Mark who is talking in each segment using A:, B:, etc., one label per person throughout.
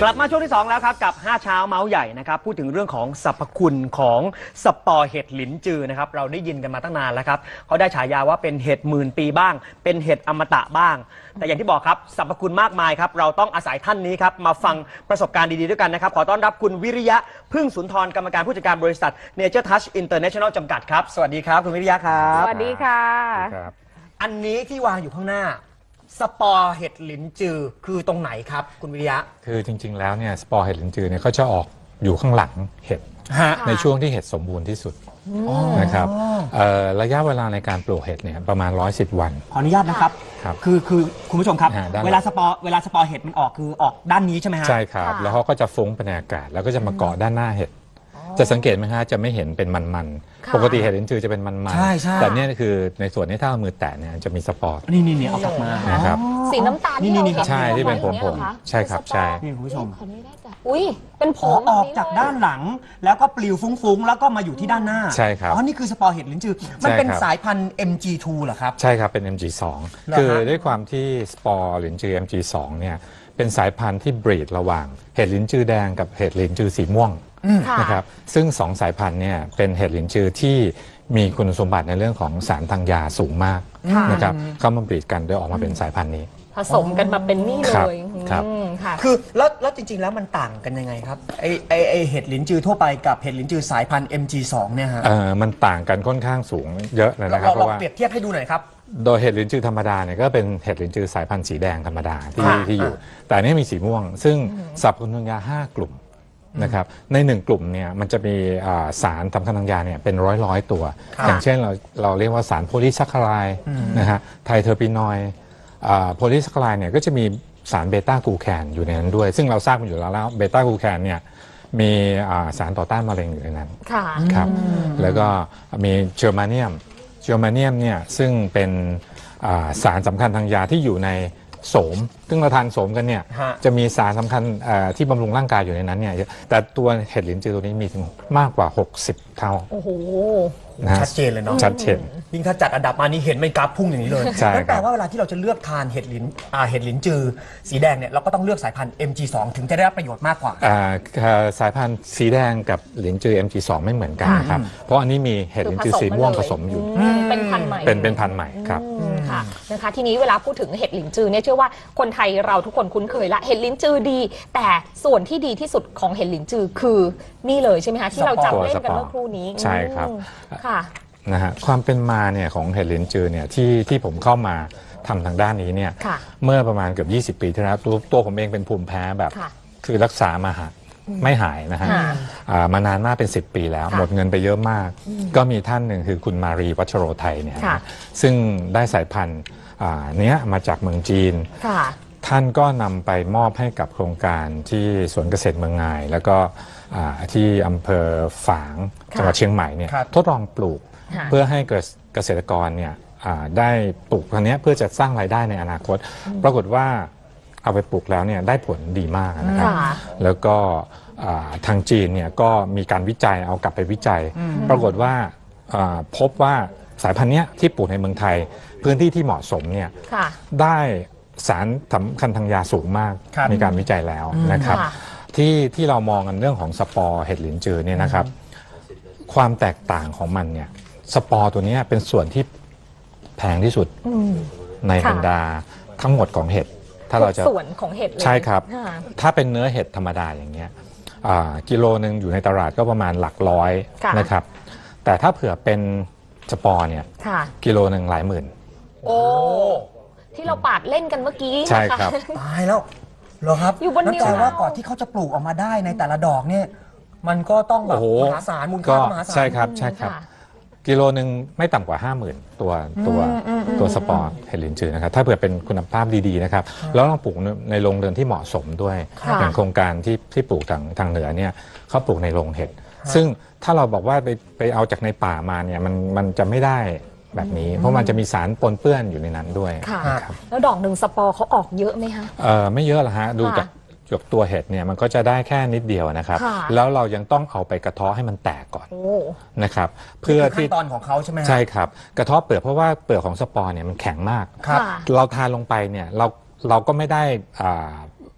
A: กลับมาช่วงที่2แล้วครับกับ5เช้าเมาส์ใหญ่นะครับพูดถึงเรื่องของสรรพคุณของสปอร์เห็ดหลินจือนะครับเราได้ยินกันมาตั้งนานแล้วครับเขาได้ฉายาว่าเป็นเห็ดหมื่นปีบ้างเป็นเห็ดอมตะบ้างแต่อย่างที่บอกครับสรรพคุณมากมายครับเราต้องอาศัยท่านนี้ครับมาฟังประสบการณ์ดีๆด้วยกันนะครับขอต้อนรับคุณวิริยะพึ่งสุนทรกรรมการผู้จัดการบริษัท Nature Touch International จำกัดครับสวัสดีครับคุณวิริยะครับ
B: สวัสดีค่ะ
A: อันนี้ที่วางอยู่ข้างหน้าสปอร์เห็ดหลินจือคือตรงไหนครับคุณวิริยะ
C: คือจริงๆแล้วเนี่ยสปอร์เห็ดหลินจือเนี่ยเขาจะออกอยู่ข้างหลังเห็ดในช่วงที่เห็ดสมบูรณ์ที่สุดนะครับระยะเวลาในการปลูกเห็ดเนี่ยประมาณ110 วัน
A: ขออนุญาตนะครับคือคุณผู้ชมครับเวลาสปอร์เห็ดมันออกคือออกด้านนี้ใช่ไหมฮะ
C: ใช่ครับแล้วเขาก็จะฟุ้งไปในอากาศแล้วก็จะมาเกาะด้านหน้าเห็ดจะสังเกตไหมฮะจะไม่เห็นเป็นมันๆปกติเห็ดลิ้นจือจะเป็นมันๆแต่เนี่ยคือในส่วนนี้ถ้าเอามือแตะเนี่ยจะมีสปอร์
A: นี่เอาออกมา
C: นะครับ
B: สีน้ำตาลนี่
C: ใช่ที่เป็นผมใช่ครับใช่
A: นี่คุณผู้ชม
B: อุ้ยเป็นผง
A: ออกจากด้านหลังแล้วก็ปลิวฟุ้งๆแล้วก็มาอยู่ที่ด้านหน้า
C: ใช่ครับ
A: นี่คือสปอร์เห็ดลิ้นจือมันเป็นสายพันธุ์ MG2 เหรอครับ
C: ใช่ครับเป็น MG2 คือด้วยความที่สปอร์ลิ้นจือ MG2 เนี่ยเป็นสายพันธุ์ที่บรีดระหว่างเห็ดลิ้นจือแดงกับเห็ดลิ้นจือสีม่วงนะครับซึ่ง2 สายพันธุ์เนี่ยเป็นเห็ดหลินจือที่มีคุณสมบัติในเรื่องของสารทางยาสูงมากนะครับเข้ามาบรีดกันโดยออกมาเป็นสายพันธุ์นี้
B: ผสมกันมาเป็นนี่เลย
C: ครับ
A: คือแล้วจริงๆแล้วมันต่างกันยังไงครับไอเห็ดหลินจือทั่วไปกับเห็ดหลินจือสายพันธุ์ MG2 เนี่ยฮะ
C: มันต่างกันค่อนข้างสูงเยอะเลยนะครับเพราะว่า
A: เปรียบเทียบให้ดูหน่อยครับ
C: โดยเห็ดลิ้นจือธรรมดาเนี่ยก็เป็นเห็ดลิ้นจือสายพันธุ์สีแดงธรรมดาที่อยู่แต่นี่มีสีม่วงซึ่งสรรพคุณทางยา5 กลุ่มนะครับใน1 กลุ่มเนี่ยมันจะมีสารสำคัญทางยาเนี่ยเป็นร้อยตัวอย่างเช่นเราเรียกว่าสารโพลีแซคคาไรด์นะฮะไทเทอร์ปินอยด์โพลีแซคคาไรด์เนี่ยก็จะมีสารเบต้ากลูแคนอยู่ในนั้นด้วยซึ่งเราทราบกันอยู่แล้วเบต้ากลูแคนเนี่ยมีสารต่อต้านมะเร็งอยู่ในนั้นครับแล้วก็มีเจอร์มาเนียมเนี่ยซึ่งเป็นสารสำคัญทางยาที่อยู่ในโสมซึ่งเราทานโสมกันเนี่ยจะมีสารสำคัญที่บำรุงร่างกายอยู่ในนั้นเนี่ยแต่ตัวเห็ดหลินจือตัวนี้มีถึงมากกว่า60 เท่า
B: โอ้โห
A: ชัดเจนเลยเนาะ
C: ชัดเจน
A: ยิ่งถ้าจัดอันดับมานี่เห็นไม่กราฟพุ่งอย่างนี้เลยนั่นแปลว่าเวลาที่เราจะเลือกทานเห็ดหลินจือสีแดงเนี่ยเราก็ต้องเลือกสายพันธุ์ MG2 ถึงจะได้รับประโยชน์มากกว่า
C: สายพันธุ์สีแดงกับหลินจือ MG2 ไม่เหมือนกันนะครับเพราะอันนี้มีเห็ดหลินจือสีม่วงผสมอยู่
B: เป็นพันธุ์ใหม่
C: เป็นพันธุ์ใหม่ครับ
B: ค่ะนะคะทีนี้เวลาพูดถึงเห็ดหลินจือเนี่ยเชื่อว่าคนไทยเราทุกคนคุ้นเคยละเห็ดหลินจือดีแต่ส่วนที่ดีที่สุดของเห็ดหลินจือคือนี่เลยใช่ไหมคะที่เราจับเล่นกันเมื่อครู่นี้
C: ใช่ครับ
B: ค่ะ
C: นะฮะความเป็นมาเนี่ยของเห็ดหลินจือเนี่ยที่ผมเข้ามาทำทางด้านนี้เนี่ยเมื่อประมาณเกือบ20 ปีที่แล้วตัวผมเองเป็นภูมิแพ้แบบคือรักษามาไม่หายนะฮะมานานมากเป็น10 ปีแล้วหมดเงินไปเยอะมากก็มีท่านหนึ่งคือคุณมารีวัชโรไทยเนี่ยซึ่งได้สายพันธุ์เนี้ยมาจากเมืองจีนท่านก็นำไปมอบให้กับโครงการที่สวนเกษตรเมืองงายแล้วก็ที่อำเภอฝางจังหวัดเชียงใหม่เนี่ยทดลองปลูกเพื่อให้เกษตรกรเนี่ยได้ปลูกพันธุ์นี้เพื่อจะสร้างรายได้ในอนาคตปรากฏว่าเอาไปปลูกแล้วเนี่ยได้ผลดีมากนะครับแล้วก็ทางจีนเนี่ยก็มีการวิจัยเอากลับไปวิจัยปรากฏว่าพบว่าสายพันธุ์นี้ที่ปลูกในเมืองไทยพื้นที่ที่เหมาะสมเนี่ยได้สารสำคัญทางยาสูงมากมีการวิจัยแล้วนะครับที่เรามองกันเรื่องของสปอร์เห็ดหลินจือเนี่ยนะครับความแตกต่างของมันเนี่ยสปอร์ตัวนี้เป็นส่วนที่แพงที่สุดในบรรดาทั้งหมดของเห็ดถ้าเราจะ
B: ส่วนของเห็ดเลย
C: ใช่ครับถ้าเป็นเนื้อเห็ดธรรมดาอย่างเงี้ยกิโลนึงอยู่ในตลาดก็ประมาณหลักร้อยนะครับแต่ถ้าเผื่อเป็นสปอร์เนี่ยกิโลนึงหลายหมื่น
B: โอ้ที่เราปาดเล่นกันเมื่อกี้
C: ใช่ครับ
A: ตายแล้วเหรอครับ
B: อยู่บนนิ้ว
A: นั่นแปลว่าก่อนที่เขาจะปลูกออกมาได้ในแต่ละดอกเนี่ยมันก็ต้องแบบมหาศาลมูลค่ามหาศาล
C: ใช่ครับกิโลนึงไม่ต่ำกว่า 50,000 ตัวสปอร์เห็ดหลินจือนะครับถ้าเผื่อเป็นคุณภาพดีๆนะครับแล้วต้องปลูกในโรงเรือนที่เหมาะสมด้วยอย่างโครงการที่ปลูกทางเหนือเนี่ยเขาปลูกในโรงเห็ดซึ่งถ้าเราบอกว่าไปเอาจากในป่ามาเนี่ยมันจะไม่ได้แบบนี้เพราะมันจะมีสารปนเปื้อนอยู่ในนั้นด้วย
B: แล้วดอกหนึ่งสปอร์เขาออกเยอะไหมคะ
C: ไม่เยอะหรอกฮะดูจากตัวเห็ดเนี่ยมันก็จะได้แค่นิดเดียวนะครับแล้วเรายังต้องเอาไปกระเทาะให้มันแตกก่อนนะครับเพื่อที่
A: ขั้นตอนของเขาใช่ไหม
C: ใช่ครับกระเทาะเปลือกเพราะว่าเปลือกของสปอร์เนี่ยมันแข็งมากเราทานลงไปเนี่ยเราก็ไม่ได้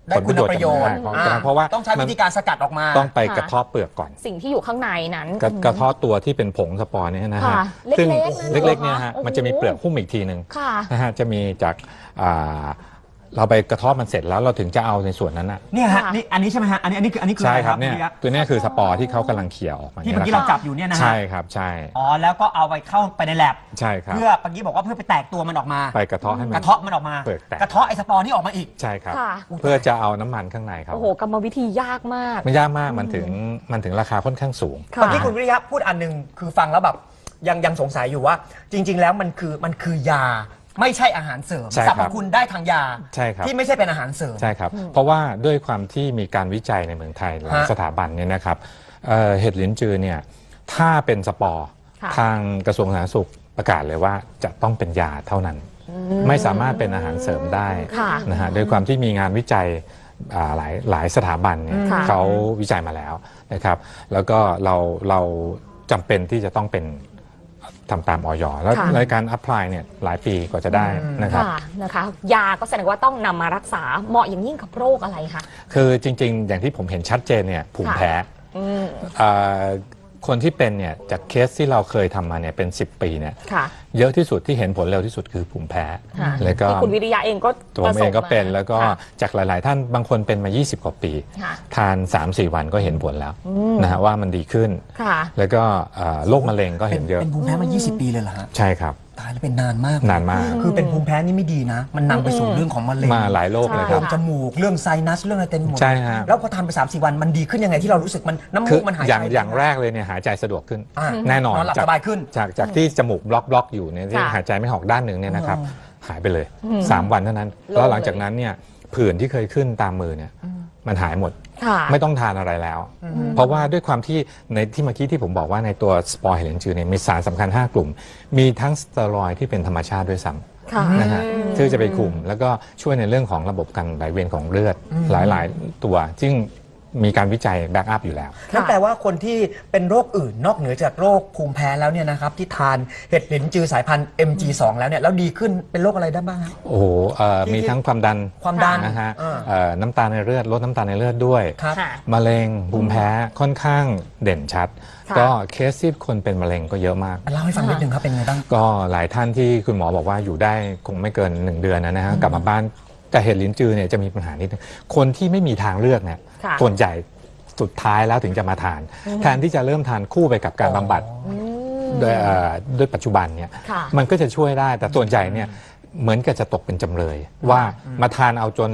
A: ได้คุณประโยชน์
C: ของกระเพราะว่า
A: ต้องใช้วิธีการสกัดออกมา
C: ต้องไปกระเทาะเปลือกก่อน
B: สิ่งที่อยู่ข้างในนั้น
C: กระเทาะตัวที่เป็นผงสปอร์เนี่ยนะฮะ
B: ค่ะ
C: ซึ่ง
B: เล็กๆ
C: เล็กๆเนี่ยฮะ
B: โอ้โห
C: มันจะมีเปลือกหุ้มอีกทีหนึ่ง
B: ค่ะ
C: นะฮะจะมีจากเราไปกระเทาะมันเสร็จแล้วเราถึงจะเอาในส่วนนั้นนะ
A: เนี่ยฮะ
B: ค่ะ
A: นี่อันนี้ใช่ไหมฮะอันนี้คือ
C: ใช่
A: อะไร
C: ครับเนี่ย
A: ณวิริยะ
C: ตัวเนี้ยคือสปอร์ที่เขากำลังเขี่ยออกมา
A: ที่
C: นี่
A: เมื่อกี้
C: นะค
A: เรา
C: รับ
A: จับอยู่เนี่ยนะฮะ
C: ใช่ครับใช่
A: อ๋อแล้วก็เอาไปเข้าไปในแลบ
C: ใช่ครับ
A: เพื่อเมื่อกี้บอกว่าเพื่อไปแตกตัวมันออกมา
C: ไปกระเทาะให้มั
A: ก
C: น
A: ระเทาะมันออกมา
C: เปลือกแตก
A: กระเทาะไอ้สปอร์นี่ออกมาอีก
C: ใช่ครับ
B: ค่ะ
C: เพื่อจะเอาน้ำมันข้างในเขา
B: โอ้โหกรรมวิธียากมาก
C: ไม่ยากมากมันถึงราคาค่อนข้างสูง
B: ค่ะ
A: เมื่อกี้คุณวิริยะพูดอันหนึงคือฟังแล้วแบบยังสงสัยอยู่ว่า จริง ๆ แล้วมันคือยาไม่ใช่อาหารเสริม
C: ใช่
A: ส
C: ค
A: ร
C: รั
A: ร
C: บ
A: พคุณได้ทางยา
C: ใช่ครับ
A: ที่ไม่ใช่เป็นอาหารเสริม
C: ใช่ครับ เพราะว่าด้วยความที่มีการวิจัยในเมืองไทยหลาย
A: ฮะ
C: สถาบันเนี่ยนะครับเห็ดลิ้นจือเนี่ยถ้าเป็นสปอร์
B: ค่ะ
C: ทางกระทรวงสาธารณสุขประกาศเลยว่าจะต้องเป็นยาเท่านั้น ไม่สามารถเป็นอาหารเสริมได้
B: ค่ะ
C: นะฮะด้วยความที่มีงานวิจัยหลายสถาบันเนี่ย
B: ค่ะ
C: เขาวิจัยมาแล้วนะครับ แล้วก็เราจำเป็นที่จะต้องเป็นทำตามออยแล้ว
B: ค่ะ
C: ในการอัพพลายเนี่ยหลายปีกว่าจะได้นะครับ
B: ค่ะนะคะ ยาก็แสดงว่าต้องนำมารักษาเหมาะอย่างยิ่งกับโรคอะไรคะ
C: คือจริงๆ อย่างที่ผมเห็นชัดเจนเนี่ยภูมิแพ้
B: อืม
C: อ่าคนที่เป็นเนี่ยจากเคสที่เราเคยทำมาเนี่ยเป็น 10 ปีเนี่ย
B: ค่ะ
C: เยอะที่สุดที่เห็นผลเร็วที่สุดคือภูมิแพ้
B: ค่ะ
C: แล้วก็
B: ที่คุณวิริยะเองก็
C: ตัวผมเองก็เป็นแล้วก็
B: ค่ะ
C: จากหลาย ๆ ท่านบางคนเป็นมา 20 กว่าปี
B: ค่ะ
C: ทาน 3-4 วันก็เห็นผลแล้วนะฮะว่ามันดีขึ้น
B: ค่ะ
C: แล้วก็โรคมะเร็งก็เห็นเยอะ
A: เป็นภูมิแพ้มา 20 ปีเลยเหรอฮะ
C: ใช่ครับ
A: ตายแล้วเป็นนานมาก
C: นานมาก
A: คือเป็นภูมิแพ้นี่ไม่ดีนะ มันนำไปสู่เรื่องของมะเร็ง
C: มาหลายโรคเลยค
A: โร
C: รับ
A: คจมูกเรื่องไซนัสเรื่องอะไรเต็มหมด
C: ใช่ฮะ
A: แล้วพอทานไป 3-4 วันมันดีขึ้นยังไงที่เรารู้สึกมันน้ำ
C: คื
A: มู
C: อก
A: มันหาย
C: อย่าง
A: ไป
C: แรกเลยเนี่ยหายใจสะดวกขึ้น
A: อ่า
C: แน่นอน
A: นอนหลับสบายขึ้น
C: จากที่จมูกบล็อกอยู่เนี่ยที่
B: ค่ะ
C: หายใจไม่ออกด้านหนึ่งเนี่ยนะครับ
A: อ๋อ
C: หายไปเลย 3 วันเท่านั้น
B: โล่ง
C: แล้วหลังจากนั้นเนี่ยผื่นที่เคยขึ้นตามมือเนี่ยมันหายหมด
B: ค่ะ
C: ไม่ต้องทานอะไรแล้ว เพราะว่าด้วยความที่ในที่เมื่อกี้ที่ผมบอกว่าในตัวสปอร์เฮลินจือเนี่ยมีสารสำคัญ 5 กลุ่ม มีทั้งสเตียรอยด์ที่เป็นธรรมชาติด้วยซ้
B: ค่ะ
C: ำนะฮะที่จะไปคุมแล้วก็ช่วยในเรื่องของระบบการไหลเวียนของเลือดหลายๆ ตัวซึ่งมีการวิจัยแบ็กอัพอยู่แล้ว
A: นั่นแปลว่าคนที่เป็นโรคอื่นนอกเหนือจากโรคภูมิแพ้แล้วเนี่ยนะครับที่ทานเห็ดหลินจือสายพันธุ์ MG2 แล้วเนี่ยแล้วดีขึ้นเป็นโรคอะไรได้บ้างครับ
C: โอ้โหมีทั้งความดัน
A: ความดัน
C: นะฮะ
A: อ่า
C: น้ำตาลในเลือดลดน้ำตาลในเลือดด้วย
A: ครับ
B: ค่ะ
C: มะเร็งภูมิแพ้ค่อนข้างเด่นชัด
B: ค่ะ
C: ก็เคสที่คนเป็นมะเร็งก็เยอะมาก
A: เล่าให้ฟังนิดนึงครับเป็นไงบ้าง
C: ก็หลายท่านที่คุณหมอบอกว่าอยู่ได้คงไม่เกิน 1 เดือนนะฮะกลับมาบ้านแต่เห็ดลิ้นจือเนี่ยจะมีปัญหานิดนึงคนที่ไม่มีทางเลือกเนี่ย
B: ค่ะ
C: ส่วนใหญ่สุดท้ายแล้วถึงจะมาทาน แทนที่จะเริ่มทานคู่ไปกับการบำบัดด้วยปัจจุบันเนี่ย
B: ค่ะ
C: มันก็จะช่วยได้แต่ส่วนใหญ่เนี่ยเหมือนกับจะตกเป็นจำเลย ว่ามาทานเอาจน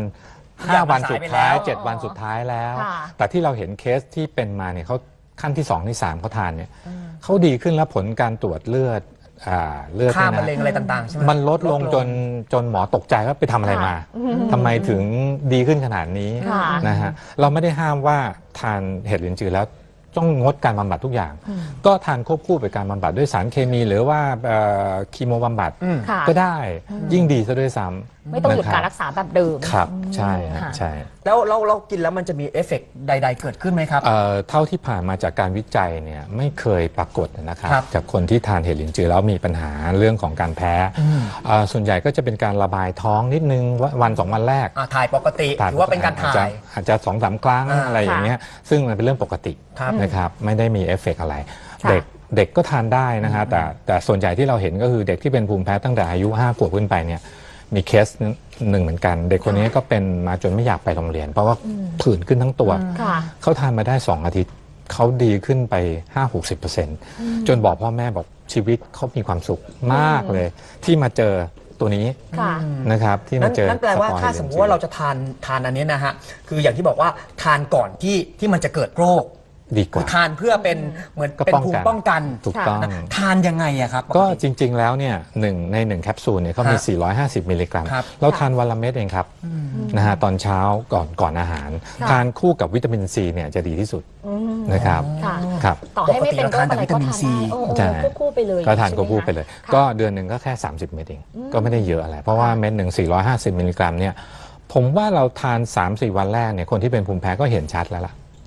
C: 5 วันสุดท้าย 7 วันสุดท้ายแล้ว
B: ค่ะ
C: แต่ที่เราเห็นเคสที่เป็นมาเนี่ยเขาขั้นที่ 2 ที่ 3เขาทานเนี่ยเขาดีขึ้นแล้วผลการตรวจเลือดเลือด
A: ค่า
C: เนี่ย
A: มะเร็ง
C: นะ
A: อะไรต่างๆใช่ไหม
C: มันลดลงจนหมอตกใจว่าไปทำอะไรมาทำไมถึงดีขึ้นขนาดนี้
B: ค่ะ
C: นะฮะเราไม่ได้ห้ามว่าทานเห็ดลิ้นจือแล้วต้องงดการบำบัดทุกอย่าง ก็ทานควบคู่ไปการบำบัดด้วยสารเคมีหรือว่าคีโมบำบัด
B: ค่ะ
C: ก็ได้ยิ่งดีซะด้วยซ้ำ
B: ไม่ต้องหยุด
C: นะคบ
B: การรักษาแบบเดิม
C: ครับใช่ฮะ
B: ค่ะ
C: ใช่
A: แล้วเรากินแล้วมันจะมีเอฟเฟกต์ใด ๆ เกิดขึ้นไหมครับ
C: เท่าที่ผ่านมาจากการวิจัยเนี่ยไม่เคยปรากฏนะครับ
A: ครับ
C: จากคนที่ทานเห็ดลิ้นจือแล้วมีปัญหาเรื่องของการแพ้ส่วนใหญ่ก็จะเป็นการระบายท้องนิดนึงวัน2 วันแรก
A: ถ่ายปกติถือว่าเป็นการถ่าย
C: อาจจะ2-3 ครั้ง
A: อ่า
C: อะไรอย่างเงี้ยซึ่งมันเป็นเรื่องปกติ
A: ครับ
C: นะครับไม่ได้มีเอฟเฟกต์อะไร
B: ค่ะ
C: เด็กก็ทานได้นะฮะแต่ส่วนใหญ่ที่เราเห็นก็คือเด็กที่เป็นภูมิแพ้ตั้งแต่อายุ5 ขวบขึ้นไปเนี่ยมีเคสหนึ่งเหมือนกัน เด็กคนนี้ก็เป็นมาจนไม่อยากไปโรงเรียน เพราะว่าผื่นขึ้นทั้งตัว
B: ค่ะ
C: เขาทานมาได้ 2 อาทิตย์เขาดีขึ้นไป 5-60%จนบอกพ่อแม่บอกชีวิตเขามีความสุขมากเลย ที่มาเจอตัวนี้
B: ค่ะ
C: นะครับที่มาเจอ
A: นั่นแปลว่า
C: สปอย
A: ถ้าสมมติว่าเราจะทานอันนี้นะฮะคืออย่างที่บอกว่าทานก่อนที่มันจะเกิดโรค
C: ดีก
A: คือ
C: ว่า
A: ทานเพื่อเป็นเหมือน
C: ก็
A: เป็น
C: ป้อง
A: ภู
C: กั
A: มิ
C: น
A: ป้องกัน
C: ถูกต้อง
A: นะทานยังไงอะครับ
C: ก็
A: ปติ
C: จริง ๆ แล้วเนี่ยใน 1 แคปซูลเนี่ยเขามี
A: ฮะ
C: 450 มิลลิกรัม
A: ครับ
C: เราทานวันละเม็ดเองครับนะฮะตอนเช้าก่อนอาหาร
B: ค่ะ
C: ทานคู่กับวิตามินซีเนี่ยจะดีที่สุดนะครับ
B: ค่ะ
C: ครับ
B: ต่อให้ไม่เป็นโรคอะไรก็ทาน
A: ปกติเราทานแต่วิตามินซี
B: ได้
C: ใช่
B: ควบคู่ไปเลย
C: ก็ทาน
B: ใช่ไหม
C: ควบคู่ไปเลย
B: คะ
C: ก็เดือนหนึ่งก็แค่ 30 เม็ดเองก็ไม่ได้เยอะอะไร เพราะว่าเม็ดหนึ่ง450 มิลลิกรัมเนี่ยผมว่าเราทาน 3-4 วันแรกเนี่ยคนที่เป็นภูมิแพ้ก็เห็นชัดแล้วล่ะ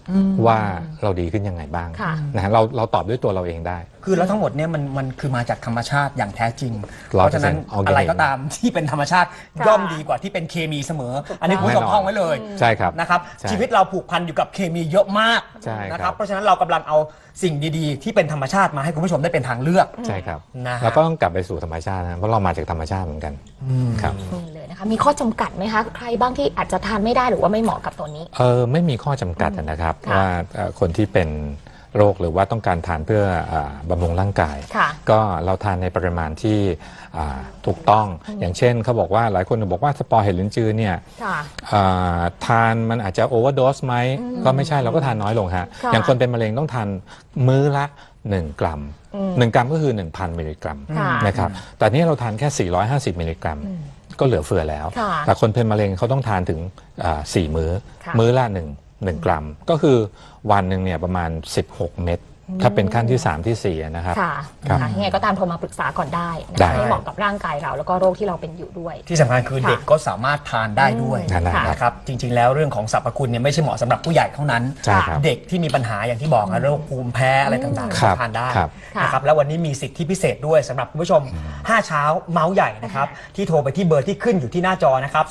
C: ว่าเราดีขึ้นยังไงบ้าง
B: ค่ะ
C: นะฮะเราตอบด้วยตัวเราเองได้
A: คือแล้วทั้งหมดเนี่ยมันคือมาจากธรรมชาติอย่างแท้จริง
C: 100%
A: เพราะฉะนั้น
C: organic
A: อะไรก็ตามที่เป็นธรรมชาติ
B: ค่ะ
A: ย่อมดีกว่าที่เป็นเคมีเสมอ อันนี้คุณผู้ชม
C: แน่นอน
A: ท่องไว้เลย
C: ใช่ครับ
A: นะครับ
C: ใช่
A: ชีวิตเราผูกพันอยู่กับเคมีเยอะมาก
C: ใช่ครับ
A: นะครับเพราะฉะนั้นเรากำลังเอาสิ่งดีๆ ที่เป็นธรรมชาติมาให้คุณผู้ชมได้เป็นทางเลือก
C: ใช่ครับ
A: นะฮะ
C: แล้วก็ต้องกลับไปสู่ธรรมชาตินะเพราะเรามาจากธรรมชาติเหมือนกันครับ
B: นี่เลยนะคะมีข้อจำกัดไหมคะใครบ้างที่อาจจะทานไม่ได้หรือว่าไม่เหมาะกับตัวนี้
C: ไม่มีข้อจำกัดนะครับ
B: ค่ะ
C: ว่าคนที่เป็นโรคหรือว่าต้องการทานเพื่อบำรุงร่างกาย
B: ค่ะ
C: ก็เราทานในปริมาณที่ถูกต้องอย่างเช่นเขาบอกว่าหลายคนบอกว่าสปอร์เห็ดลิ้นจือเนี่ย
B: ค่ะ
C: ทานมันอาจจะโอเวอร์โดสไหมก็ไม่ใช่เราก็ทานน้อยลงฮะ
B: ค่ะ
C: อย่างคนเป็นมะเร็งต้องทานมื้อละ 1 กรัม 1 กรัมก็คือ 1,000 มิลลิกรัม
B: ค่ะ
C: นะครับแต่นี่เราทานแค่ 450 มิลลิกรัม ก็เหลือเฟือแล้ว
B: ค่ะ
C: แต่คนเป็นมะเร็งเขาต้องทานถึง4 มื้อ
B: ค่ะ
C: มื้อละ1 กรัม ก็คือวันหนึ่งเนี่ยประมาณ 16 เม็ดถ้าเป็นขั้นที่ 3 ที่ 4 นะครับ
B: ค่ะ
C: ครับ
B: นะคะยังไงก็ตามโทรมาปรึกษาก่อนได้นะ
C: ได้
B: คะให้เหมาะกับร่างกายเราแล้วก็โรคที่เราเป็นอยู่ด้วย
A: ที่สำคัญคือ
B: ค่ะ
A: เด็กก็สามารถทานได้ด้วย
C: ทานได้ครับ
A: นะครับจริงๆแล้วเรื่องของสรรพคุณเนี่ยไม่ใช่เหมาะสำหรับผู้ใหญ่เท่านั้น
C: ใช่ครับ
A: เด็กที่มีปัญหาอย่างที่บอกนะโรคภูมิแพ้อะไรต่างๆ
C: ครั
A: ก็
C: บ
A: ทานได้
C: ครับ
A: นะครับแล้ววันนี้มีสิทธิพิเศษด้วยสำหรับคุณผู้ชม 5 เช้าเมาส์ใหญ่นะครับที่โทรไปที่เบอร์ที่ขึ้นอยู่ที่หน้าจอนะครับ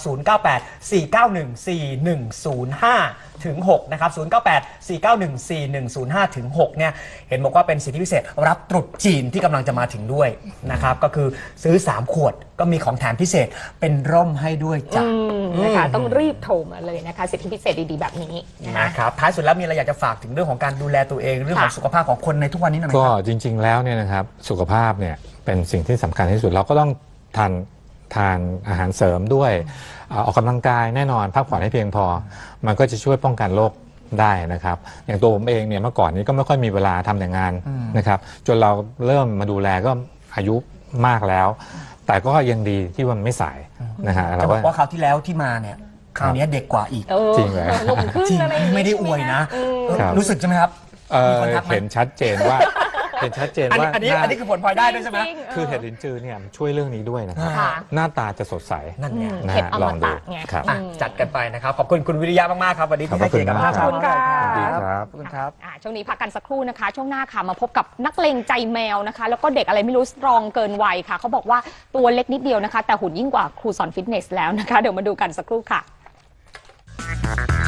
A: 098 491 4105ถึง6นะครับ098 491 4105ถึง6เนี่ยเห็นบอกว่าเป็นสิทธิพิเศษรับตรุษจีนที่กำลังจะมาถึงด้วยนะครับก็คือซื้อ 3 ขวดก็มีของแถมพิเศษเป็นร่มให้ด้วยจ้ะ
B: นะคะต้องรีบโทรมาเลยนะคะสิทธิพิเศษดีๆแบบนี้นะคะ
A: นะครับท้ายสุดแล้วมีอะไรอยากจะฝากถึงเรื่องของการดูแลตัวเองเรื่องของ
B: ค่ะ
A: สุขภาพของคนในทุกวันนี้หน่อยไหม
C: ก็
A: ครับ
C: จริงๆแล้วเนี่ยนะครับสุขภาพเนี่ยเป็นสิ่งที่สำคัญที่สุดเราก็ต้องทานอาหารเสริมด้วยออกกำลังกายแน่นอนพักผ่อนให้เพียงพอ มันก็จะช่วยป้องกันโรคได้นะครับอย่างตัวผมเองเนี่ยเมื่อก่อนนี้ก็ไม่ค่อยมีเวลาทำแต่งานนะครับจนเราเริ่มมาดูแลก็อายุมากแล้ว แต่ก็ยังดีที่มันไม่สายนะฮะ
A: จะ
C: เรา
A: บ
C: ก็
A: อกว่าคราวที่แล้วที่มาเนี่ยคราวนี้เด็กกว่าอีก
C: จริงเหรอ
B: ลงขึ้น
A: จริง
B: อะไรอย่างงี้
A: ไม่ได้อวยนะ
C: ครับ
A: รู้สึกใช่ไหมครับ มีคนทักไหม
C: เห็นชัดเจนว่า เห็นชัดเจน
A: อันนี้
C: ว่า
A: อันนี้
C: หน้า
A: อันนี้คือผลพลอยได้ด้วยใช่ไหม
B: จริงๆ
C: คือเห็ดลิ้นจือเนี่ยมันช่วยเรื่องนี้ด้วยนะครับ
B: ค่ะ
C: หน้าตาจะสดใส
A: นั่นไง
C: นะ
B: เห็ด
C: ฮะ
B: อ
C: ล
B: ม
C: องดู
B: ตะไง
C: ครับ
A: อ่ะจัดกันไปนะครับขอบคุณคุณวิริยะมากๆครับวันนี้ที่ให้เกียรติกับ
C: ขอบคุณ
A: 5
C: มาก
A: เช้า
B: ขอบคุณค่ะ
C: ดีครับ
A: ขอบคุณครับ
B: ช่วงนี้พักกันสักครู่นะคะ ช่วงหน้าค่ะมาพบกับนักเลงใจแมวนะคะ แล้วก็เด็กอะไรไม่รู้สตรองเกินวัยค่ะเขาบอกว่าตัวเล็กนิดเดียวนะคะ แต่หุ่นยิ่งกว่าครูสอนฟิตเนสแล้วนะคะ เดี๋ยวมาดูกันสักครู่ค่ะ